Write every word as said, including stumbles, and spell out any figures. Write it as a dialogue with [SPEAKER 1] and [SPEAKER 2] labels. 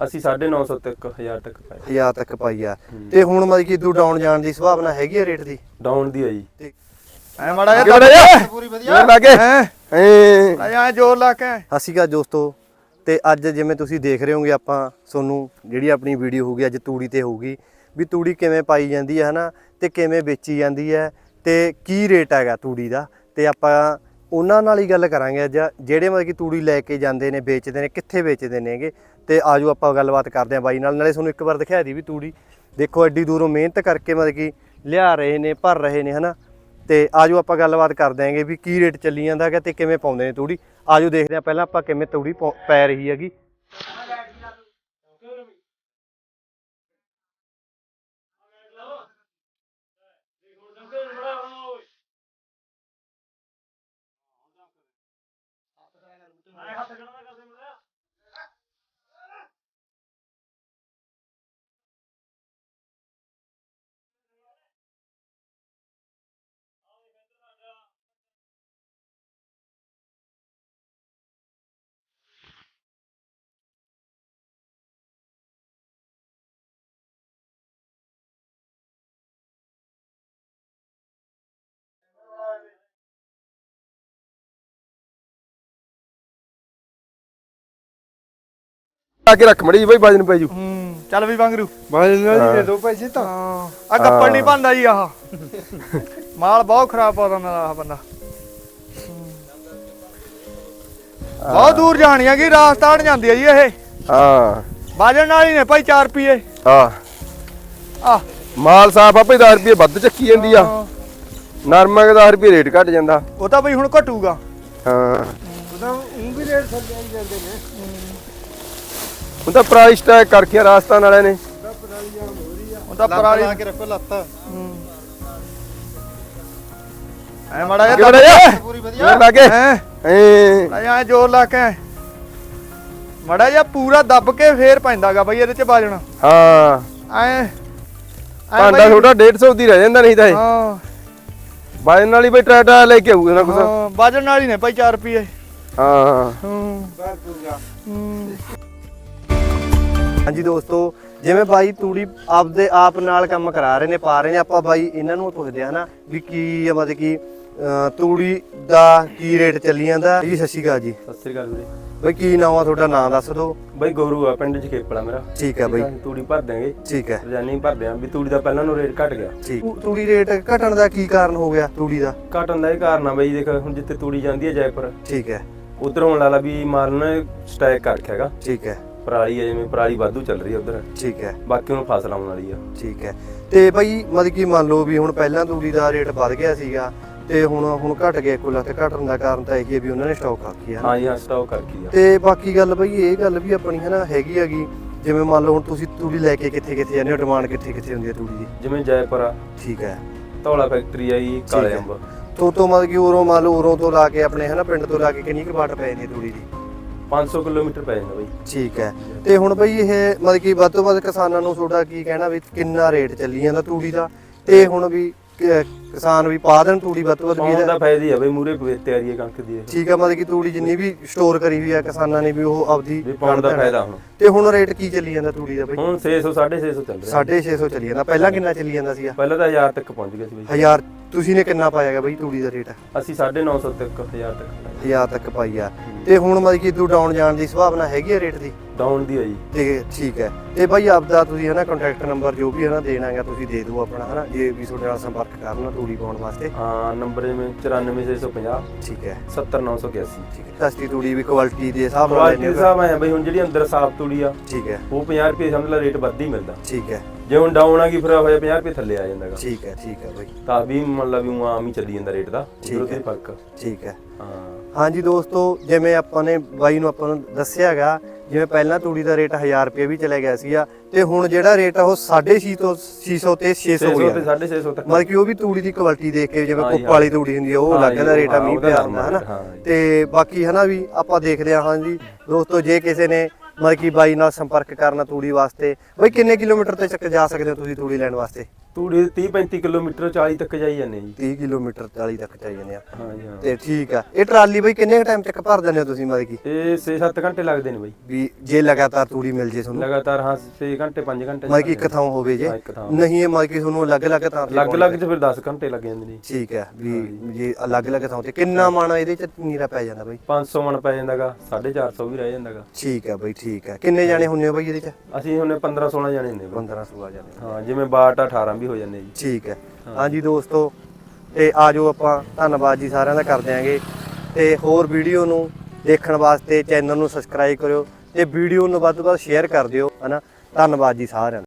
[SPEAKER 1] ਅਸੀਂ ਸਾਢੇ ਨੌ ਸੌ ਤੱਕ ਹਜ਼ਾਰ ਤੱਕ ਪਾਈ
[SPEAKER 2] ਹਜ਼ਾਰ ਤੱਕ ਪਾਈ ਆ। ਤੇ ਹੁਣ ਮਤਲਬ ਕਿ ਤੂੰ ਡਾਊਨ ਜਾਣ ਦੀ ਸੰਭਾਵਨਾ ਹੈਗੀ ਆ ਰੇਟ ਦੀ?
[SPEAKER 1] ਡਾਊਨ ਦੀ ਆ ਜੀ।
[SPEAKER 2] ਐ ਮਾੜਾ ਜਿਹਾ ਪੂਰੀ ਵਧੀਆ
[SPEAKER 1] ਲਾ ਕੇ
[SPEAKER 2] ਐ ਐ ਜ਼ੋਰ ਲਾ ਕੇ। ਸਤਿ ਸ਼੍ਰੀ ਅਕਾਲ ਦੋਸਤੋ, ਤੇ ਅੱਜ ਜਿਵੇਂ ਤੁਸੀਂ ਦੇਖ ਰਹੇ ਹੋਗੇ ਆਪਾਂ ਤੁਹਾਨੂੰ ਜਿਹੜੀ ਆਪਣੀ ਵੀਡੀਓ ਹੋਊਗੀ ਅੱਜ ਤੂੜੀ ਤੇ ਹੋਊਗੀ ਵੀ ਤੂੜੀ ਕਿਵੇਂ ਪਾਈ ਜਾਂਦੀ ਹੈ ਹਨਾ, ਤੇ ਕਿਵੇਂ ਵੇਚੀ ਜਾਂਦੀ ਹੈ ਤੇ ਕੀ ਰੇਟ ਹੈਗਾ ਤੂੜੀ ਦਾ। ਤੇ ਆਪਾਂ ਉਹਨਾਂ ਨਾਲ ਹੀ ਗੱਲ ਕਰਾਂਗੇ ਅੱਜ, ਜਿਹੜੇ ਮਤਲਬ ਕਿ ਤੂੜੀ ਲੈ ਕੇ ਜਾਂਦੇ ਨੇ, ਵੇਚਦੇ ਨੇ, ਕਿੱਥੇ ਵੇਚਦੇ ਨੇਗੇ। ਤੇ ਆਜੋ ਆਪਾਂ ਗੱਲਬਾਤ ਕਰਦੇ ਹਾਂ ਬਾਈ ਨਾਲ। ਨਾਲੇ ਤੁਹਾਨੂੰ ਇੱਕ ਵਾਰ ਦਿਖਾ ਦੀ ਵੀ ਤੂੜੀ ਦੇਖੋ ਐਡੀ ਦੂਰੋਂ ਮਿਹਨਤ ਕਰਕੇ ਮਤਲਬ ਕਿ ਲਿਆ ਰਹੇ ਨੇ, ਭਰ ਰਹੇ ਨੇ ਹਨਾ। ਤੇ ਆਜੋ ਆਪਾਂ ਗੱਲਬਾਤ ਕਰ ਦਿਆਂਗੇ ਵੀ ਕੀ ਰੇਟ ਚੱਲੀ ਜਾਂਦਾ ਹੈਗਾ ਤੇ ਕਿਵੇਂ ਪਾਉਂਦੇ ਨੇ ਤੂੜੀ। ਆਜੋ ਦੇਖਦੇ ਹਾਂ ਪਹਿਲਾਂ ਆਪਾਂ ਕਿਵੇਂ ਤੂੜੀ ਪੈ ਰਹੀ ਹੈਗੀ।
[SPEAKER 1] ਆ ਕੇ ਰੱਖ ਮੜੀ ਬਈ, ਵਜਨ ਪੈ ਜੂ।
[SPEAKER 2] ਹੂੰ ਚੱਲ ਵੀ ਵਾਂਗਰੂ
[SPEAKER 1] ਵਜਨ ਨਾਲ ਦੇ ਦੋ ਪੈਸੇ ਤਾਂ
[SPEAKER 2] ਆ ਕੱਪੜ ਨਹੀਂ ਪਾਉਂਦਾ ਜੀ। ਆਹ ਮਾਲ ਬਹੁਤ ਖਰਾਬ ਪਾਉਂਦਾ ਮੇਰਾ ਆਹ ਬੰਦਾ। ਬਹੁਤ ਦੂਰ ਜਾਣੀ ਆ ਕਿ ਰਾਜਸਥਾਨ ਜਾਂਦੀ ਆ ਜੀ ਇਹ।
[SPEAKER 1] ਹਾਂ
[SPEAKER 2] ਬਾਜਣ ਨਾਲ ਹੀ ਨੇ ਭਾਈ ਚਾਰ ਰੁਪਏ।
[SPEAKER 1] ਹਾਂ
[SPEAKER 2] ਆ
[SPEAKER 1] ਮਾਲ ਸਾਫ ਆ ਭਾਈ, ਦਸ ਰੁਪਏ ਵੱਧ ਚੱਕੀ ਜਾਂਦੀ ਆ। ਨਰਮਾ ਦਾ ਦਸ ਰੁਪਏ ਰੇਟ ਘਟ ਜਾਂਦਾ।
[SPEAKER 2] ਉਹ ਤਾਂ ਬਈ ਹੁਣ ਘਟੂਗਾ।
[SPEAKER 1] ਹਾਂ
[SPEAKER 2] ਉਹਦਾ ਉਹ ਵੀ ਰੇਟ ਥੱਲੇ ਆਈ ਜਾਂਦੇ ਨੇ।
[SPEAKER 1] ਉਹ ਤਾਂ ਪ੍ਰਾਈਸ ਟੈਗ ਕਰਕੇ ਰਾਜਸਥਾਨ ਵਾਲਿਆਂ ਨੇ।
[SPEAKER 2] ਉਹ ਤਾਂ ਪਰਾਲੀ ਲਾ ਕੇ ਰੱਖੋ ਲੱਤ। ਐ ਮਾੜਾ ਜਿਹਾ ਪੂਰੀ ਵਧੀਆ
[SPEAKER 1] ਲਾ ਕੇ
[SPEAKER 2] ਐ ਐ ਜ਼ੋਰ ਲਾ ਕੇ ਮਾੜਾ ਜਿਹਾ ਪੂਰਾ ਦੱਬ ਕੇ ਫੇਰ ਪੈਂਦਾਗਾ ਬਈ ਇਹਦੇ ਚ ਬਾਜਣਾ।
[SPEAKER 1] ਹਾਂ
[SPEAKER 2] ਐ
[SPEAKER 1] ਭਾਂਡਾ ਥੋੜਾ ਡੇਢ ਸੌ ਦੀ ਰਹਿ ਜਾਂਦਾ ਨਹੀਂ ਤਾਂ ਇਹ।
[SPEAKER 2] ਹਾਂ
[SPEAKER 1] ਬਾਜਣ ਵਾਲੀ ਬਈ ਟਰੈਕਟਰ ਲੈ ਕੇ ਆਊਗਾ ਨਾ ਕੁਛ।
[SPEAKER 2] ਹਾਂ ਬਾਜਣ ਨਾਲ ਹੀ ਨੇ ਭਾਈ ਚਾਰ ਰੁਪਏ।
[SPEAKER 1] ਹਾਂ
[SPEAKER 2] ਹੂੰ ਹਾਂਜੀ ਦੋਸਤੋ, ਜਿਵੇਂ ਬਾਈ ਤੂੜੀ ਆਪਦੇ ਆਪ ਨਾਲ ਕੰਮ ਕਰਾ ਰਹੇ ਨੇ, ਪਾ ਰਹੇ ਨੇ, ਆਪਾਂ ਬਾਈ ਇਹਨਾਂ ਨੂੰ ਪੁੱਛਦੇ ਆ ਨਾ ਵੀ ਕੀ ਮਤਲਬ ਕਿ ਤੂੜੀ ਦਾ ਕੀ ਰੇਟ ਚੱਲੀ ਜਾਂਦਾ ਜੀ। ਸਤਿ ਸ਼੍ਰੀ ਅਕਾਲ ਜੀ।
[SPEAKER 1] ਸਤਿ ਸ੍ਰੀ ਅਕਾਲ ਵੀਰੇ।
[SPEAKER 2] ਬਾਈ ਕੀ ਨਾਮ ਆ ਤੁਹਾਡਾ, ਨਾਂ ਦੱਸ ਦਿਓ।
[SPEAKER 1] ਬਾਈ ਗੋਰੂ ਆ, ਪਿੰਡ ਚ ਖੇਪਲਾ ਮੇਰਾ।
[SPEAKER 2] ਠੀਕ ਹੈ ਬਾਈ,
[SPEAKER 1] ਤੂੜੀ ਭਰ ਦਿਆਂਗੇ।
[SPEAKER 2] ਠੀਕ ਹੈ,
[SPEAKER 1] ਰਜਾਨੀ ਭਰ ਦਿਆਂ ਵੀ ਤੂੜੀ ਦਾ ਪਹਿਲਾਂ ਨੂੰ ਰੇਟ ਘਟ ਗਿਆ।
[SPEAKER 2] ਠੀਕ। ਤੂੜੀ ਰੇਟ ਘਟਣ ਦਾ ਕੀ ਕਾਰਨ ਹੋ ਗਿਆ ਤੂੜੀ ਦਾ?
[SPEAKER 1] ਘਟਣ ਦਾ ਇਹ ਕਾਰਨ ਆ ਬਾਈ, ਦੇਖ ਹੁਣ ਜਿੱਥੇ ਤੂੜੀ ਜਾਂਦੀ ਹੈ ਜੈਪੁਰ,
[SPEAKER 2] ਠੀਕ ਹੈ,
[SPEAKER 1] ਉਧਰ ਹੋਣ ਵਾਲਾ ਵੀ ਮਾਲ ਨੇ ਸਟੈਕ ਕਰ ਰੱਖਿਆ ਹੈਗਾ।
[SPEAKER 2] ਠੀਕ ਹੈ,
[SPEAKER 1] ਪਰਾਲੀ ਹੈ ਜਿਵੇਂ ਪਰਾਲੀ ਵਾਧੂ ਚੱਲ ਰਹੀ ਹੈ ਉਧਰ।
[SPEAKER 2] ਠੀਕ ਹੈ,
[SPEAKER 1] ਬਾਕੀ ਹੁਣ ਫਸਲ ਆਉਣ ਵਾਲੀ ਆ।
[SPEAKER 2] ਠੀਕ ਹੈ। ਤੇ ਬਾਈ ਮਤਲਬ ਕਿ ਮੰਨ ਲਓ ਵੀ ਹੁਣ ਪਹਿਲਾਂ ਤੂੜੀ ਦਾ ਰੇਟ ਵੱਧ ਗਿਆ ਸੀਗਾ ਤੇ ਹੁਣ ਹੁਣ ਘਟ ਗਿਆ। ਕੁੱਲ ਤੇ ਘਟਣ ਦਾ ਕਾਰਨ ਤਾਂ ਇਹ ਹੈ ਵੀ ਉਹਨਾਂ ਨੇ ਸਟਾਕ ਰੱਖੀ ਹੈ।
[SPEAKER 1] ਹਾਂ ਜੀ, ਹਾਂ ਸਟਾਕ ਰੱਖੀ ਆ।
[SPEAKER 2] ਤੇ ਬਾਕੀ ਗੱਲ ਬਈ ਇਹ ਗੱਲ ਵੀ ਆਪਣੀ ਹੈ ਨਾ ਹੈਗੀ ਹੈਗੀ, ਜਿਵੇਂ ਮੰਨ ਲਓ ਹੁਣ ਤੁਸੀਂ ਤੂੜੀ ਲੈ ਕੇ ਕਿੱਥੇ ਕਿੱਥੇ ਜਾਂਦੇ ਹੋ, ਡਿਮਾਂਡ ਕਿੱਥੇ ਕਿੱਥੇ ਹੁੰਦੀ ਹੈ ਤੂੜੀ ਦੀ?
[SPEAKER 1] ਜਿਵੇਂ ਜੈਪੁਰ ਆ,
[SPEAKER 2] ਠੀਕ ਹੈ,
[SPEAKER 1] ਧੌਲਾ ਫੈਕਟਰੀ ਆ ਜੀ, ਕਾਲੇ ਅੰਬ
[SPEAKER 2] ਤੋਂ ਤੋਂ ਮਤਲਬ ਕਿ ਉਰੋਂ ਮੰਨ ਲਓ ਉਰੋਂ ਤੋਂ ਲਾ ਕੇ ਆਪਣੇ ਹੈ ਨਾ ਪਿੰਡ ਤੋਂ ਲਾ ਕੇ ਕਿੰਨੀ ਕੁ ਵਾਟ ਪੈ ਜਾਂਦੀ ਹੈ ਤੂੜੀ ਦੀ?
[SPEAKER 1] ਪੰਜ ਸੌ ਕਿਲੋਮੀਟਰ ਪੈ ਜਾਂਦਾ ਬਾਈ।
[SPEAKER 2] ਠੀਕ ਹੈ। ਤੇ ਹੁਣ ਬਈ ਇਹ ਮਤਲਬ ਕਿ ਵੱਧ ਤੋਂ ਵੱਧ ਕਿਸਾਨਾਂ ਨੂੰ ਤੁਹਾਡਾ ਕੀ ਕਹਿਣਾ ਵੀ ਕਿੰਨਾ ਰੇਟ ਚੱਲੀ ਜਾਂਦਾ ਤੂੜੀ ਦਾ, ਤੇ ਹੁਣ ਵੀ ਕਿਸਾਨ ਵੀ ਪਾ ਦੇਣ ਤੂੜੀ ਵੱਧ ਤੋਂ ਵੱਧ?
[SPEAKER 1] ਪਾਉਣ ਦਾ ਫਾਇਦਾ ਹੀ ਆ ਬਈ, ਮੂਰੇ ਤਿਆਰੀ ਹੈ ਕਣਕ ਦੀ।
[SPEAKER 2] ਠੀਕ ਹੈ, ਮਤਲਬ ਕਿ ਤੂੜੀ ਜਿੰਨੀ ਵੀ ਸਟੋਰ ਕਰੀ ਹੋਈ ਆ ਕਿਸਾਨਾਂ ਨੇ ਵੀ ਉਹ ਆਪਦੀ
[SPEAKER 1] ਪਾਉਣ ਦਾ ਫਾਇਦਾ। ਹੁਣ
[SPEAKER 2] ਤੇ ਹੁਣ ਰੇਟ ਕੀ ਚੱਲੀ ਜਾਂਦਾ ਤੂੜੀ ਦਾ ਬਈ?
[SPEAKER 1] ਹੁਣ ਛੇ ਸੌ ਸਾਢੇ ਛੇ ਸੌ ਚੱਲ ਰਿਹਾ।
[SPEAKER 2] ਸਾਢੇ ਛੇ ਸੌ ਚੱਲੀ ਜਾਂਦਾ। ਪਹਿਲਾਂ ਕਿੰਨਾ ਚੱਲੀ ਜਾਂਦਾ ਸੀਗਾ?
[SPEAKER 1] ਪਹਿਲਾਂ ਤਾਂ ਹਜ਼ਾਰ ਤੱਕ ਪਹੁੰਚ ਗਿਆ ਸੀ ਬਈ।
[SPEAKER 2] ਹਜ਼ਾਰ? ਤੁਸੀਂ ਨੇ ਕਿੰਨਾ ਪਾਇਆਗਾ ਬਈ ਤੂੜੀ ਦਾ ਰੇਟ?
[SPEAKER 1] ਅਸੀਂ ਸਾਢੇ ਨੌ ਸੌ ਤੱਕ ਹਜ਼ਾਰ ਤੱਕ
[SPEAKER 2] ਹਜ਼ਾਰ ਤੱਕ ਪਾਈ ਆ। ਤੇ ਹੁਣ ਮਤਲਬ ਕਿ ਤੂੰ ਡਾਊਨ ਜਾਣ ਦੀ ਸੰਭਾਵਨਾ ਹੈਗੀ ਆ ਰੇਟ ਦੀ?
[SPEAKER 1] ਡਾਊਨ ਦੀ ਆ ਜੀ।
[SPEAKER 2] ਤੇ ਠੀਕ ਹੈ। ਤੇ ਬਾਈ ਆਪਦਾ ਤੁਸੀਂ ਹਨਾ ਕੰਟੈਕਟ ਨੰਬਰ ਜੋ ਵੀ ਹਨਾ ਦੇਣਾ ਹੈਗਾ ਤੁਸੀਂ ਦੇ ਦਿਓ ਆਪਣਾ ਹਨਾ, ਜੇ ਵੀ ਤੁਹਾਡੇ ਨਾਲ ਸੰਪਰਕ ਕਰਨਾ ਤੂੜੀ ਪਾਉਣ ਵਾਸਤੇ।
[SPEAKER 1] ਹਾਂ ਨੰਬਰ ਜਿਵੇਂ ਚੁਰਾਨਵੇਂ ਛੇ ਸੌ ਪੰਜਾਹ,
[SPEAKER 2] ਠੀਕ ਹੈ,
[SPEAKER 1] ਸੱਤਰ ਨੌ ਸੌ ਇਕਿਆਸੀ।
[SPEAKER 2] ਠੀਕ ਹੈ। ਸਸਤੀ ਤੂੜੀ ਵੀ ਕੁਆਲਿਟੀ ਦੇ ਹਿਸਾਬ ਨਾਲ
[SPEAKER 1] ਕੁਆਲਿਟੀ ਦੇ ਹਿਸਾਬ ਨਾਲ ਬਈ। ਹੁਣ ਜਿਹੜੀ ਅੰਦਰ ਸਾਫ ਤੂੜੀ ਆ,
[SPEAKER 2] ਠੀਕ ਹੈ,
[SPEAKER 1] ਉਹ ਪੰਜਾਹ ਰੁਪਏ ਸਮਝ ਲਾ ਰੇਟ ਵੱਧ ਹੀ ਮਿਲਦਾ।
[SPEAKER 2] ਠੀਕ ਹੈ।
[SPEAKER 1] ਜੇ ਹੁਣ ਡਾਊਨ ਆ ਗਈ ਫਿਰ ਹੋਇਆ ਪੰਜਾਹ ਰੁਪਏ ਥੱਲੇ ਆ ਜਾਂਦਾਗਾ।
[SPEAKER 2] ਠੀਕ ਹੈ, ਠੀਕ ਹੈ ਬਾਈ।
[SPEAKER 1] ਤਾਂ ਵੀ ਮੰਨ ਲਾ ਵੀ ਉਹ ਆਮ ਹੀ ਚੱਲੀ ਜਾਂਦਾ ਰੇਟ ਦਾ,
[SPEAKER 2] ਠੀਕ ਹੈ,
[SPEAKER 1] ਫਰਕ।
[SPEAKER 2] ਠੀਕ ਹੈ।
[SPEAKER 1] ਹਾਂ
[SPEAKER 2] ਹਾਂਜੀ ਦੋਸਤੋ, ਜਿਵੇਂ ਆਪਾਂ ਨੇ ਬਾਈ ਨੂੰ ਆਪਾਂ ਨੂੰ ਦੱਸਿਆ ਹੈਗਾ, ਜਿਵੇਂ ਪਹਿਲਾਂ ਤੂੜੀ ਦਾ ਰੇਟ ਹਜ਼ਾਰ ਰੁਪਏ ਵੀ ਚਲੇ ਗਿਆ ਸੀਗਾ, ਤੇ ਹੁਣ ਜਿਹੜਾ ਰੇਟ ਆ ਉਹ ਸਾਢੇ ਛੇ ਤੋਂ ਛੇ ਸੌ ਤੇ ਛੇ ਸੌ ਹੋ ਗਿਆ।
[SPEAKER 1] ਸਾਢੇ ਛੇ ਸੌ ਤੱਕ
[SPEAKER 2] ਮਤਲਬ ਕਿ ਉਹ ਵੀ ਤੂੜੀ ਦੀ ਕੁਆਲਿਟੀ ਦੇਖ ਕੇ, ਜਿਵੇਂ ਕੁੱਪ ਵਾਲੀ ਤੂੜੀ ਹੁੰਦੀ ਆ ਉਹ ਅਲੱਗ ਦਾ ਰੇਟ ਆ, ਮੀਂਹ ਪਿਆ ਹੁੰਦਾ ਹਨਾ। ਤੇ ਬਾਕੀ ਹਨਾ ਵੀ ਆਪਾਂ ਦੇਖਦੇ ਹਾਂ। ਹਾਂਜੀ ਦੋਸਤੋ, ਜੇ ਕਿਸੇ ਨੇ ਮਤਲਬ ਕਿ ਬਾਈ ਨਾਲ ਸੰਪਰਕ ਕਰਨਾ ਤੂੜੀ ਵਾਸਤੇ, ਬਈ ਕਿੰਨੇ ਕਿਲੋਮੀਟਰ ਤੇ ਚੱਕ ਜਾ ਸਕਦੇ ਹੋ ਤੁਸੀਂ ਤੂੜੀ ਲੈਣ ਵਾਸਤੇ?
[SPEAKER 1] ਤੂੜੀ ਤੀਹ ਪੈਂਤੀ ਕਿਲੋਮੀਟਰ ਚਾਲੀ ਤੱਕ ਜਾਈ ਜਾਂਦੇ ਜੀ।
[SPEAKER 2] ਤੀਹ ਕਿਲੋਮੀਟਰ ਚਾਲੀ ਤੱਕ ਚਾਈ ਜਾਂਦੇ ਆ।
[SPEAKER 1] ਹਾਂ ਜੀ ਹਾਂ।
[SPEAKER 2] ਤੇ ਠੀਕ ਆ, ਇਹ ਟਰਾਲੀ ਬਈ ਕਿੰਨੇ ਟਾਈਮ ਤੱਕ ਭਰ ਦਿੰਦੇ ਹੋ ਤੁਸੀਂ ਮਤਲਬ ਕਿ
[SPEAKER 1] ਇਹ ਛੇ ਸੱਤ ਘੰਟੇ ਲੱਗਦੇ ਨੇ ਬਾਈ
[SPEAKER 2] ਵੀ ਜੇ ਲਗਾਤਾਰ ਤੂੜੀ ਮਿਲ ਜੇ ਤੁਹਾਨੂੰ?
[SPEAKER 1] ਲਗਾਤਾਰ ਹਾਂ ਛੇ ਘੰਟੇ ਪੰਜ ਘੰਟੇ
[SPEAKER 2] ਮਤਲਬ ਕਿ ਇੱਕ ਥਾਂ ਹੋਵੇ ਜੇ,
[SPEAKER 1] ਹਾਂ, ਇੱਕ ਥਾਂ।
[SPEAKER 2] ਨਹੀਂ ਇਹ ਮਤਲਬ ਕਿ ਤੁਹਾਨੂੰ ਅਲੱਗ-ਅਲੱਗ ਥਾਂ ਤੇ
[SPEAKER 1] ਅਲੱਗ-ਅਲੱਗ ਚ ਫਿਰ ਦਸ ਘੰਟੇ ਲੱਗ ਜਾਂਦੇ ਨੇ।
[SPEAKER 2] ਠੀਕ ਹੈ ਵੀ ਜੇ ਅਲੱਗ-ਅਲੱਗ ਥਾਂ ਤੇ ਕਿੰਨਾ ਮਣ ਇਹਦੇ ਚ ਨੀਰਾ ਪੈ ਜਾਂਦਾ ਬਈ?
[SPEAKER 1] ਪੰਜ ਸੌ ਮਣ ਪੈ ਜਾਂਦਾਗਾ, ਸਾਢੇ ਚਾਰ ਸੌ ਵੀ ਰਹਿ ਜਾਂਦਾਗਾ।
[SPEAKER 2] ਠੀਕ ਹੈ ਬਈ ਠੀਕ ਹੈ। ਕਿੰਨੇ ਜਾਣੇ ਹੁੰਨੇ ਹੋ ਬਈ ਇਹਦੇ ਚ?
[SPEAKER 1] ਅਸੀਂ ਹੁੰਨੇ ਪੰਦਰਾਂ ਸੋਲਾਂ ਜਾਣੇ ਨੇ ਬਾਈ।
[SPEAKER 2] ਪੰਦਰਾਂ ਸੋਲਾਂ ਜਾਣੇ।
[SPEAKER 1] ਹਾਂ ਜਿਵੇਂ ਬਾਟ ਅਠਾਰਾਂ ਵੀ ਹੋ ਜਾਂਦੇ ਜੀ।
[SPEAKER 2] ਠੀਕ ਹੈ। ਹਾਂਜੀ ਦੋਸਤੋ, ਤੇ ਆਜੋ ਆਪਾਂ ਧੰਨਵਾਦ ਜੀ ਸਾਰਿਆਂ ਦਾ ਕਰ ਦਿਆਂਗੇ, ਤੇ ਹੋਰ ਵੀਡੀਓ ਨੂੰ ਦੇਖਣ ਵਾਸਤੇ ਚੈਨਲ ਨੂੰ ਸਬਸਕ੍ਰਾਈਬ ਕਰਿਓ ਤੇ ਵੀਡੀਓ ਨੂੰ ਵੱਧ ਤੋਂ ਵੱਧ ਸ਼ੇਅਰ ਕਰ ਦਿਓ ਹਨਾ। ਧੰਨਵਾਦ ਜੀ ਸਾਰਿਆਂ ਦਾ।